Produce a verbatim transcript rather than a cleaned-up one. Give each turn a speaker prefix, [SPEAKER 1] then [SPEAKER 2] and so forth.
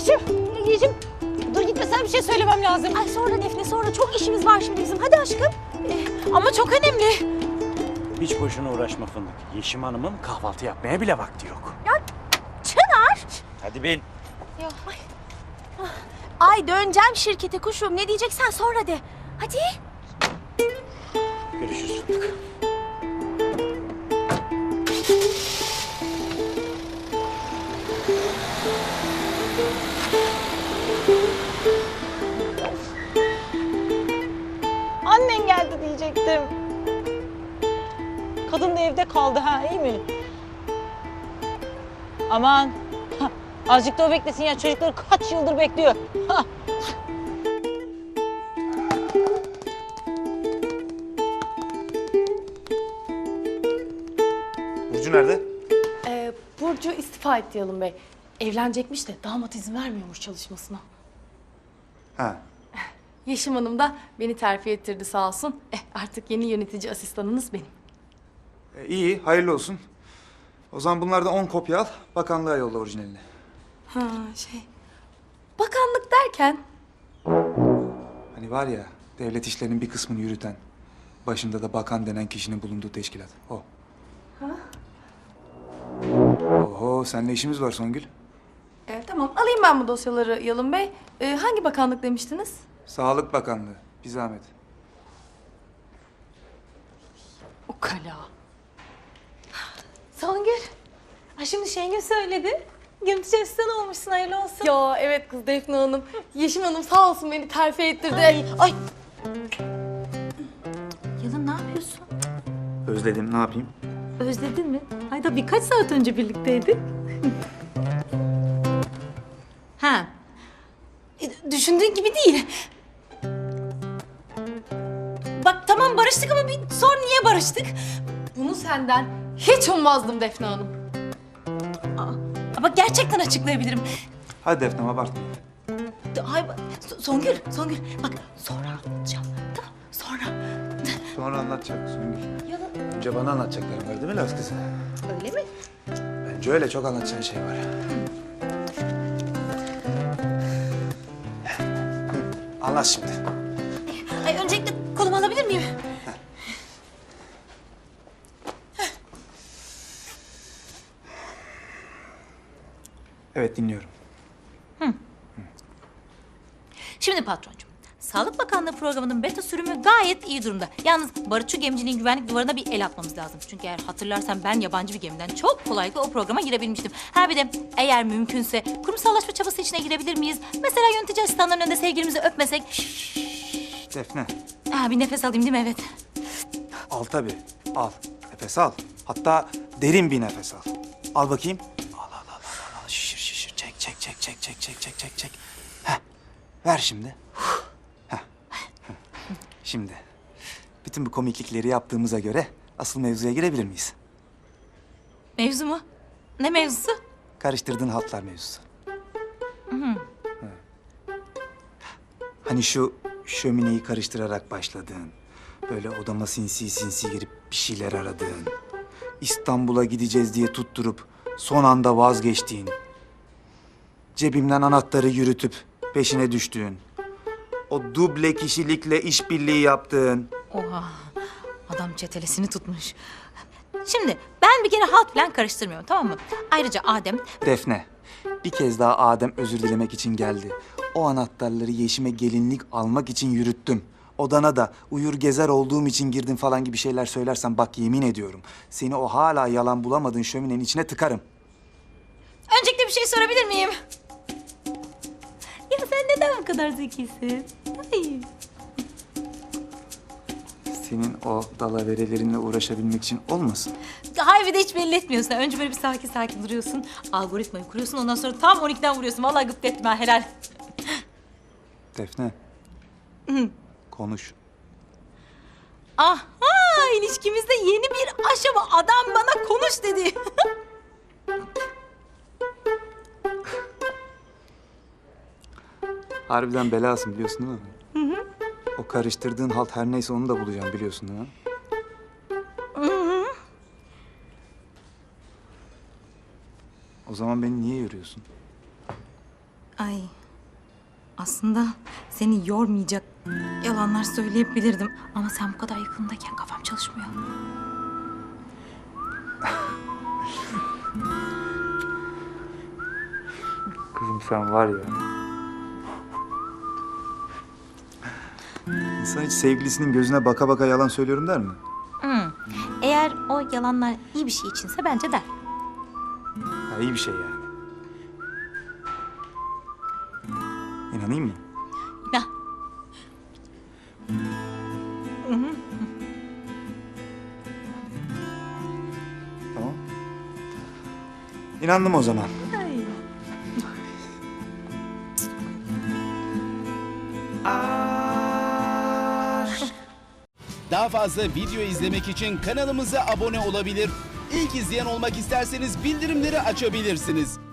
[SPEAKER 1] Yeşim, Yeşim. Dur gitme, sana bir şey söylemem lazım.
[SPEAKER 2] Ay sonra Defne, sonra çok işimiz var şimdi bizim. Hadi aşkım.
[SPEAKER 1] Ee, ama çok önemli.
[SPEAKER 3] Hiç boşuna uğraşma Fındık. Yeşim Hanım'ın kahvaltı yapmaya bile vakti yok.
[SPEAKER 2] Ya Çınar.
[SPEAKER 3] Hadi bin.
[SPEAKER 1] Ya.
[SPEAKER 2] Ay. Ay döneceğim şirkete kuşum. Ne diyeceksen sonra de. Hadi.
[SPEAKER 3] Görüşürüz Fındık.
[SPEAKER 1] Annen geldi diyecektim. Kadın da evde kaldı ha, iyi mi? Aman. Azıcık da o beklesin ya, çocukları kaç yıldır bekliyor. Ha.
[SPEAKER 4] Burcu nerede?
[SPEAKER 5] Ee, Burcu istifa etti Yalın Bey. Evlenecekmiş de damat izin vermiyormuş çalışmasına.
[SPEAKER 4] Ha.
[SPEAKER 5] Yeşim Hanım da beni terfi ettirdi sağ olsun. Eh, artık yeni yönetici asistanınız benim.
[SPEAKER 4] E, iyi, hayırlı olsun. O zaman bunlardan on kopya al, bakanlığa yolla orijinalini.
[SPEAKER 5] Ha şey... Bakanlık derken...
[SPEAKER 4] Hani var ya, devlet işlerinin bir kısmını yürüten, başında da bakan denen kişinin bulunduğu teşkilat. O.
[SPEAKER 5] Ha?
[SPEAKER 4] Oho, seninle işimiz var Songül.
[SPEAKER 5] Ee, tamam alayım ben bu dosyaları Yalın Bey. Ee, hangi bakanlık demiştiniz?
[SPEAKER 4] Sağlık Bakanlığı, bir zahmet.
[SPEAKER 5] O kala.
[SPEAKER 1] Songül. Ay şimdi Şengül söyledi. Yönetici asistan olmuşsun, hayırlı olsun.
[SPEAKER 5] Ya evet kız Defne Hanım. Yeşim Hanım sağ olsun beni terfi ettirdi.
[SPEAKER 1] Ay, ay.
[SPEAKER 2] Yalın ne yapıyorsun?
[SPEAKER 4] Özledim, ne yapayım?
[SPEAKER 2] Özledin mi? Ay da birkaç saat önce birlikteydik.
[SPEAKER 1] Ha. E, düşündüğün gibi değil. Bak tamam barıştık ama bir sor niye barıştık?
[SPEAKER 5] Bunu senden hiç ummazdım Defne Hanım.
[SPEAKER 1] Ama gerçekten açıklayabilirim.
[SPEAKER 4] Hadi Defne, abartma.
[SPEAKER 1] Ay, bak, So- Songül, Songül. Bak sonra anlatacağım. Tamam, sonra.
[SPEAKER 4] Sonra anlatacak Songül.
[SPEAKER 1] Ya da
[SPEAKER 4] Önce bana anlatacaklarım var değil mi Laz kızı?
[SPEAKER 1] öyle mi?
[SPEAKER 4] Bence öyle, çok anlatacağın şey var. Anlat şimdi.
[SPEAKER 1] Ay öncelikle kolumu alabilir miyim?
[SPEAKER 4] Evet, dinliyorum.
[SPEAKER 6] Şimdi patroncuğum, Sağlık Bakanlığı programının beta sürümü gayet iyi durumda. Yalnız barutçu gemiciliğin güvenlik duvarına bir el atmamız lazım. Çünkü eğer hatırlarsan ben yabancı bir gemiden çok kolaylıkla o programa girebilmiştim. Ha bir de eğer mümkünse kurumsallaşma çabası içine girebilir miyiz? Mesela yönetici asistanların önünde sevgilimizi öpmesek.
[SPEAKER 4] Defne,
[SPEAKER 6] Ha, bir nefes alayım değil mi? Evet.
[SPEAKER 4] al tabii, al. Nefes al. Hatta derin bir nefes al. Al bakayım. Al, al, al, al, al. Şişir, şişir. Çek, çek, çek, çek, çek, çek, çek, çek, çek. Heh. Ver şimdi. Heh. Şimdi, bütün bu komiklikleri yaptığımıza göre asıl mevzuya girebilir miyiz?
[SPEAKER 6] Mevzu mu? Ne mevzusu?
[SPEAKER 4] Karıştırdığın haltlar mevzusu. Hı. Hani şu şömineyi karıştırarak başladığın, böyle odama sinsi sinsi girip bir şeyler aradığın, İstanbul'a gideceğiz diye tutturup son anda vazgeçtiğin, cebimden anahtarı yürütüp peşine düştüğün, o duble kişilikle işbirliği yaptığın.
[SPEAKER 6] Oha, adam çetelesini tutmuş. Şimdi ben bir kere halt falan karıştırmıyorum, tamam mı? Ayrıca Adem...
[SPEAKER 4] Defne, bir kez daha Adem özür dilemek için geldi. O anahtarları Yeşim'e gelinlik almak için yürüttüm. Odana da uyur gezer olduğum için girdim falan gibi şeyler söylersen bak yemin ediyorum. Seni o hala yalan bulamadığın şöminenin içine tıkarım.
[SPEAKER 6] Öncelikle bir şey sorabilir miyim? Ya sen neden bu kadar zekisin? Ay.
[SPEAKER 4] Senin o dalaverelerinle uğraşabilmek için olmasın?
[SPEAKER 6] Hayır bir de hiç belli etmiyorsun. Önce böyle bir sakin sakin duruyorsun. Algoritmayı kuruyorsun. Ondan sonra tam on ikiden vuruyorsun. Vallahi gıpta etme ha, helal.
[SPEAKER 4] Defne. Konuş.
[SPEAKER 6] Aha, ilişkimizde yeni bir aşama. Adam bana konuş dedi.
[SPEAKER 4] Harbiden belasın biliyorsun değil mi? Hı hı. O karıştırdığın halt her neyse onu da bulacağım biliyorsun değil mi? Hı hı. O zaman beni niye yoruyorsun?
[SPEAKER 6] Ay, aslında seni yormayacak yalanlar söyleyebilirdim. Ama sen bu kadar yakındayken kafam çalışmıyor.
[SPEAKER 4] Kızım sen var ya. İnsan hiç sevgilisinin gözüne baka baka yalan söylüyorum der mi?
[SPEAKER 6] Hmm. Eğer o yalanlar iyi bir şey içinse bence der.
[SPEAKER 4] Ha, iyi bir şey yani. İnanayım mı?
[SPEAKER 6] Ya.
[SPEAKER 4] Tamam. İnandım o zaman.
[SPEAKER 7] Daha fazla video izlemek için kanalımıza abone olabilir. İlk izleyen olmak isterseniz bildirimleri açabilirsiniz.